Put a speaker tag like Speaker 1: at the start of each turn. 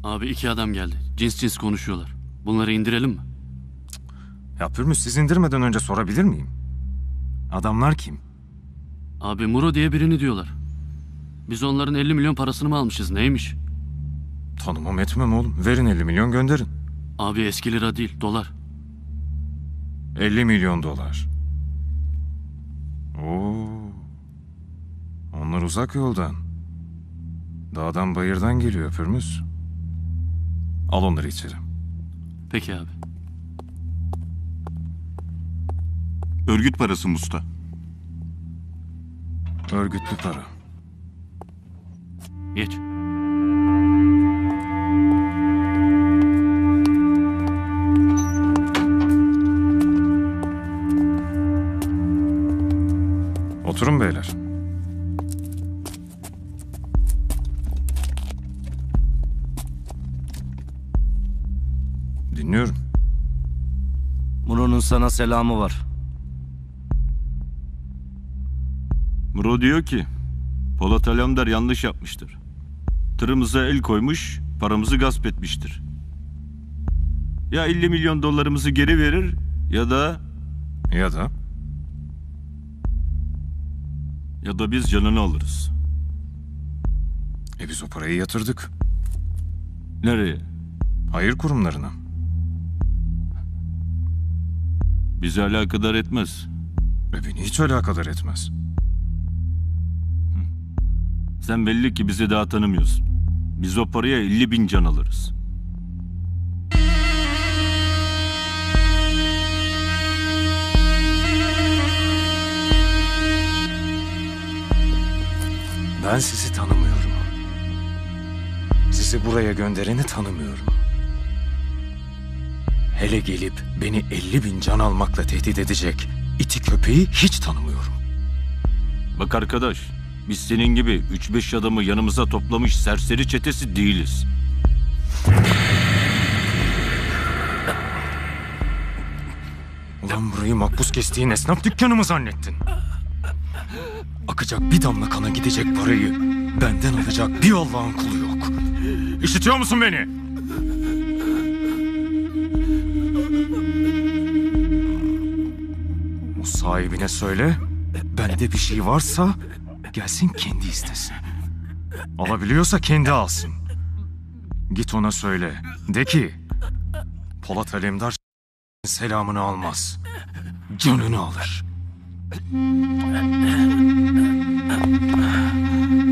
Speaker 1: Abi 2 adam geldi. Cins cins konuşuyorlar. Bunları indirelim mi?
Speaker 2: Ya Pürmüz, siz indirmeden önce sorabilir miyim? Adamlar kim?
Speaker 1: Abi Muro diye birini diyorlar. Biz onların 50 milyon parasını mı almışız, neymiş?
Speaker 2: Tanımam etmem oğlum. Verin 50 milyon gönderin.
Speaker 1: Abi eski lira değil, dolar.
Speaker 2: 50 milyon dolar. Oo. Onlar uzak yoldan. Dağdan bayırdan geliyor Pürmüz. Al onları içeri.
Speaker 1: Peki abi.
Speaker 3: Örgüt parası Musta.
Speaker 2: Örgütlü para.
Speaker 1: Geç.
Speaker 2: Oturun beyler. Dinliyorum.
Speaker 4: Muro'nun sana selamı var.
Speaker 3: Muro diyor ki Polat Alemdar yanlış yapmıştır. Tırımıza el koymuş, paramızı gasp etmiştir. Ya 50 milyon dolarımızı geri verir ya da biz canını alırız.
Speaker 2: Biz o parayı yatırdık.
Speaker 3: Nereye?
Speaker 2: Hayır kurumlarına.
Speaker 3: Bizi alakadar etmez.
Speaker 2: Beni hiç alakadar etmez.
Speaker 3: Sen belli ki bizi daha tanımıyorsun. Biz o paraya 50 bin can alırız.
Speaker 2: Ben sizi tanımıyorum. Sizi buraya göndereni tanımıyorum. Hele gelip beni 50 bin can almakla tehdit edecek iti köpeği hiç tanımıyorum.
Speaker 3: Bak arkadaş, biz senin gibi 3-5 adamı yanımıza toplamış serseri çetesi değiliz.
Speaker 2: Ulan burayı makbuz kestiğin esnaf dükkanı mı zannettin? Akacak bir damla kana gidecek parayı benden alacak bir Allah'ın kulu yok. İşitiyor musun beni? O sahibine söyle, bende bir şey varsa gelsin kendi istesin. Alabiliyorsa kendi alsın. Git ona söyle, de ki Polat Alemdar selamını almaz, canını alır.